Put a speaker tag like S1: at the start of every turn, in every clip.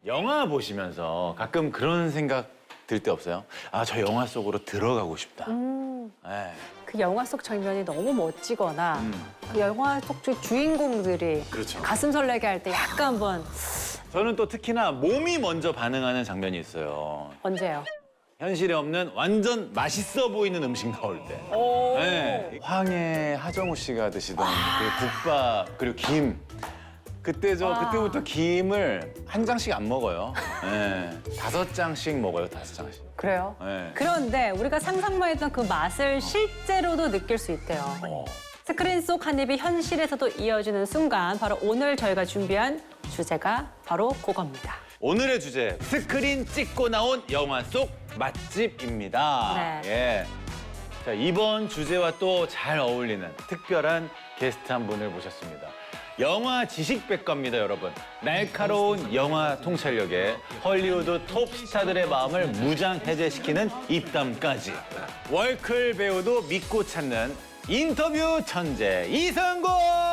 S1: 영화 보시면서 가끔 그런 생각 들 때 없어요? 아, 저 영화 속으로 들어가고 싶다. 네.
S2: 그 영화 속 장면이 너무 멋지거나 그 영화 속 주인공들이
S1: 그렇죠.
S2: 가슴 설레게 할 때 약간 한번
S1: 저는 또 특히나 몸이 먼저 반응하는 장면이 있어요.
S2: 언제요?
S1: 현실에 없는 완전 맛있어 보이는 음식 나올 때. 네. 황해 하정우 씨가 드시던 그 국밥 그리고 김. 그때부터 김을 한 장씩 안 먹어요. 네. 5장씩 먹어요, 5장씩.
S2: 그래요?
S1: 네.
S2: 그런데 우리가 상상만 했던 그 맛을 실제로도 느낄 수 있대요. 스크린 속 한 입이 현실에서도 이어지는 순간 바로 오늘 저희가 준비한 주제가 바로 그겁니다.
S1: 오늘의 주제, 스크린 찍고 나온 영화 속 맛집입니다.
S2: 네.
S1: 예. 자, 이번 주제와 또 잘 어울리는 특별한 게스트 한 분을 모셨습니다. 영화 지식백과입니다, 여러분. 날카로운 영화 통찰력에 헐리우드 톱스타들의 마음을 무장해제시키는 입담까지. 월클 배우도 믿고 찾는 인터뷰 천재 이성고!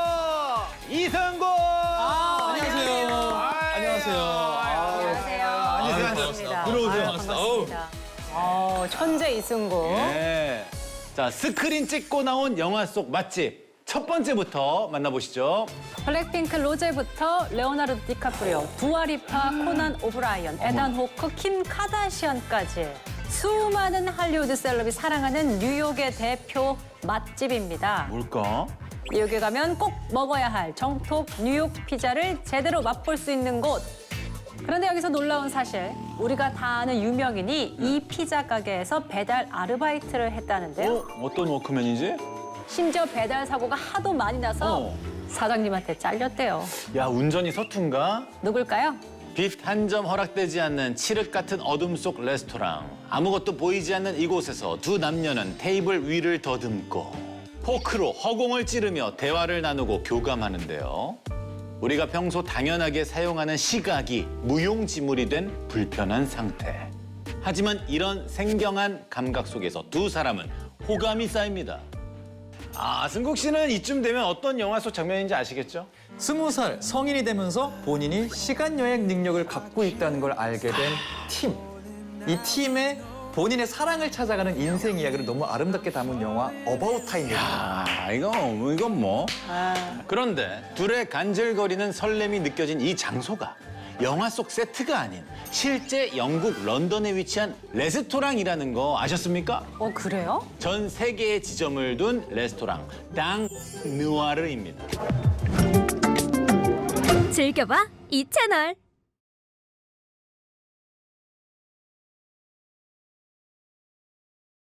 S1: 이성고!
S3: 안녕하세요. 안녕하세요.
S2: 안녕하세요. 반갑습니다.
S3: 들어오세요.
S2: 반갑습니다. 천재 이승구.
S1: 네. 자, 스크린 찍고 나온 영화 속 맛집. 첫 번째부터 만나보시죠.
S2: 블랙핑크 로제부터 레오나르도 디카프리오, 두아리파, 코난 오브라이언, 에단 호크, 킴 카다시안까지 수많은 할리우드 셀럽이 사랑하는 뉴욕의 대표 맛집입니다.
S1: 뭘까?
S2: 뉴욕에 가면 꼭 먹어야 할 정통 뉴욕 피자를 제대로 맛볼 수 있는 곳. 그런데 여기서 놀라운 사실, 우리가 다 아는 유명인이 이 피자 가게에서 배달 아르바이트를 했다는데요.
S1: 어떤 워크맨이지?
S2: 심지어 배달 사고가 하도 많이 나서 사장님한테 잘렸대요.
S1: 야, 운전이 서툰가?
S2: 누굴까요?
S1: 빛 한 점 허락되지 않는 칠흑 같은 어둠 속 레스토랑. 아무것도 보이지 않는 이곳에서 두 남녀는 테이블 위를 더듬고 포크로 허공을 찌르며 대화를 나누고 교감하는데요. 우리가 평소 당연하게 사용하는 시각이 무용지물이 된 불편한 상태. 하지만 이런 생경한 감각 속에서 두 사람은 호감이 쌓입니다. 아, 승국 씨는 이쯤 되면 어떤 영화 속 장면인지 아시겠죠?
S3: 20살 성인이 되면서 본인이 시간 여행 능력을 갖고 있다는 걸 알게 된 팀. 이 팀의 본인의 사랑을 찾아가는 인생 이야기를 너무 아름답게 담은 영화 어바웃 타임입니다.
S1: 아, 이건 뭐. 그런데 둘의 간질거리는 설렘이 느껴진 이 장소가 영화 속 세트가 아닌 실제 영국 런던에 위치한 레스토랑이라는 거 아셨습니까?
S2: 그래요?
S1: 전 세계에 지점을 둔 레스토랑 당 느와르입니다.
S4: 즐겨봐 이 채널.